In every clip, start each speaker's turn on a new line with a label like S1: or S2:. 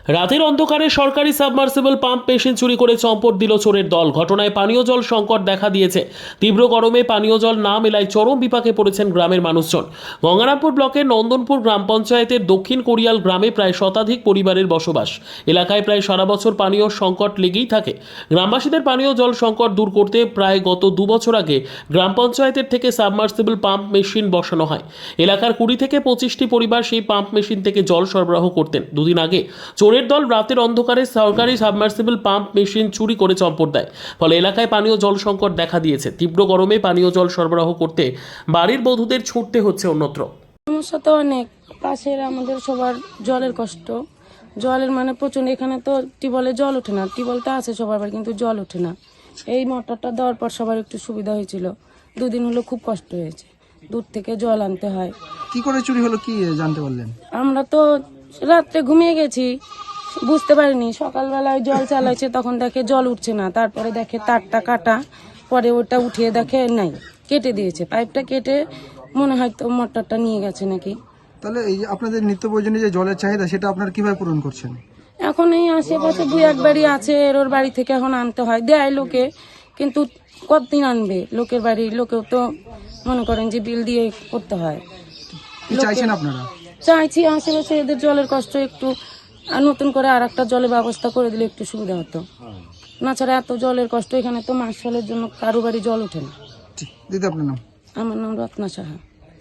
S1: রাতের অন্ধকারে সরকারি সাবমার্সিবল পাম্প মেশিন চুরি করে চম্পট দিল চোরের দল। ঘটনায় পানীয় জল সংকট দেখা দিয়েছে। তীব্র গরমে পানীয় জল না মেলায় চরম বিপাকে পড়েছেন গ্রামের মানুষজন। গঙ্গারামপুর ব্লকের নন্দনপুর গ্রাম পঞ্চায়েতের দক্ষিণ কোরিয়াল গ্রামে প্রায় শতাধিক পরিবারের বসবাস। এলাকায় প্রায় সারা বছর পানীয় সংকট লেগেই থাকে। গ্রামবাসীদের পানীয় জল সংকট দূর করতে প্রায় গত 2 বছর আগে গ্রাম পঞ্চায়েতের থেকে সাবমার্সিবল পাম্প মেশিন বসানো হয়। এলাকার 20 থেকে 25টি পরিবার সেই পাম্প মেশিন থেকে জল সরবরাহ করতেন। দুদিন আগে চোরের দল রাতের অন্ধকারে সরকারি সাবমার্সিবল পাম্প মেশিন চুরি করে চম্পট দেয়। ফলে এলাকায় পানীয় জল সংকট দেখা দিয়েছে। তীব্র গরমে পানীয় জল সরবরাহ করতে বাড়ির বধূদের ছুটতে হচ্ছে অন্যত্র।
S2: সমস্যা তো অনেক, পাশের আমাদের সবার জলের কষ্ট। জলের মানে প্রচন্ড, এখানে তো টিউবওয়েলে জল ওঠে না। টিউবওয়েল তো আছে সবার বাড়ি, কিন্তু জল ওঠে না। এই মোটরটা দেওয়ার পর সবার একটু সুবিধা হয়েছিল। 2 দিন হলো খুব কষ্ট হয়েছে, দূর থেকে জল আনতে হয়।
S3: কি করে চুরি হলো কি জানতে পারলেন?
S2: আমরা তো রাত্রে ঘুমিয়ে গেছি, বুঝতে পারিনি। সকালবেলায় জল চালাইছে, তখন দেখে জল উঠছে না। তারপরে দেখে তারটা কাটা, পরে ওটা উঠিয়ে দেখে নাই, কেটে দিয়েছে। পাইপটা কেটে মনে হয় তো মোটরটা নিয়ে গেছে নাকি।
S3: তাহলে এই যে আপনাদের নিত্য প্রয়োজনীয় যে জলের চাহিদা, সেটা আপনারা কিভাবে পূরণ করছেন?
S2: এখন এই আশেপাশে 2-1 বাড়ি আছে, এর ওর বাড়ি থেকে এখন আনতে হয়, দেয় লোকে, কিন্তু কতদিন আনবে? লোকের বাড়ি লোকেও তো মনে করেন যে বিল দিয়ে করতে হয়।
S3: কি চাইছেন আপনারা?
S2: চাইছি আশেপাশে এদের জলের কষ্ট একটু নতুন করে আর একটা জলের ব্যবস্থা করে দিলে একটু সুবিধা হতো। না ছাড়া এত জলের কষ্ট, এখানে তো মাস জলের জন্য কারো বাড়ি জল ওঠে না।
S3: দিদি, আপনার নাম?
S2: আমার নাম রত্না সাহা।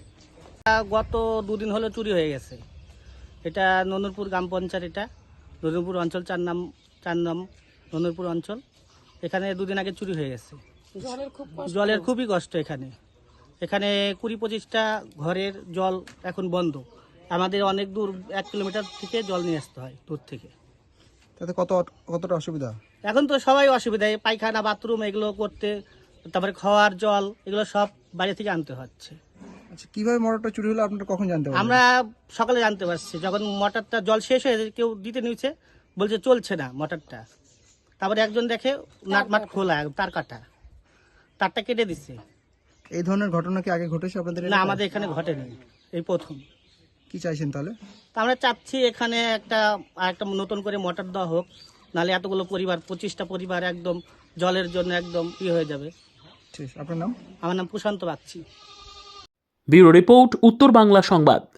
S4: গত 2 দিন হলো চুরি হয়ে গেছে। এটা নন্দনপুর গ্রাম পঞ্চায়েত, এটা নন্দনপুর অঞ্চল 4 নাম নন্দনপুর অঞ্চল। এখানে 2 দিন আগে চুরি হয়ে গেছে। জলের খুবই কষ্ট এখানে। এখানে 20-25টা ঘরের জল এখন বন্ধ। আমাদের অনেক দূর, 1 কিলোমিটার থেকে জল নিয়ে আসতে হয় দূর থেকে।
S3: তাতে কতটা অসুবিধা?
S4: এখন তো সবাই অসুবিধায়, পায়খানা বাথরুম এগুলো করতে, তারপরে খাওয়ার জল এগুলো সব বাইরে থেকে আনতে হচ্ছে।
S3: আচ্ছা, কিভাবে মোটরটা চুরি হলো আপনারা কখন জানতে পারলেন?
S4: আমরা সকালে জানতে পারছি, যখন মোটরটা জল শেষ হয়ে কেউ দিতে নিয়েছে, বলছে চলছে না মোটরটা। তারপরে একজন দেখে নাটমাট খোলা, তার কাটা, তারটা কেটে দিচ্ছে।
S3: এই ধরনের ঘটনা কি আগে ঘটেছে আপনাদের
S4: না,
S3: এলাকায়?
S4: আমাদের এখানে ঘটেনি, এই প্রথম।
S3: কি চাইছেন তাহলে?
S4: তা আমরা চাচ্ছি এখানে একটা নতুন করে মোটর দেওয়া হোক, নাহলে এতগুলো পরিবার, 25টা পরিবার একদম জলের জন্য একদম হয়ে যাবে।
S3: ঠিক, আপনার নাম?
S4: আমার নাম প্রশান্ত বাগচি।
S1: ব্যুরো রিপোর্ট, উত্তর বাংলা সংবাদ।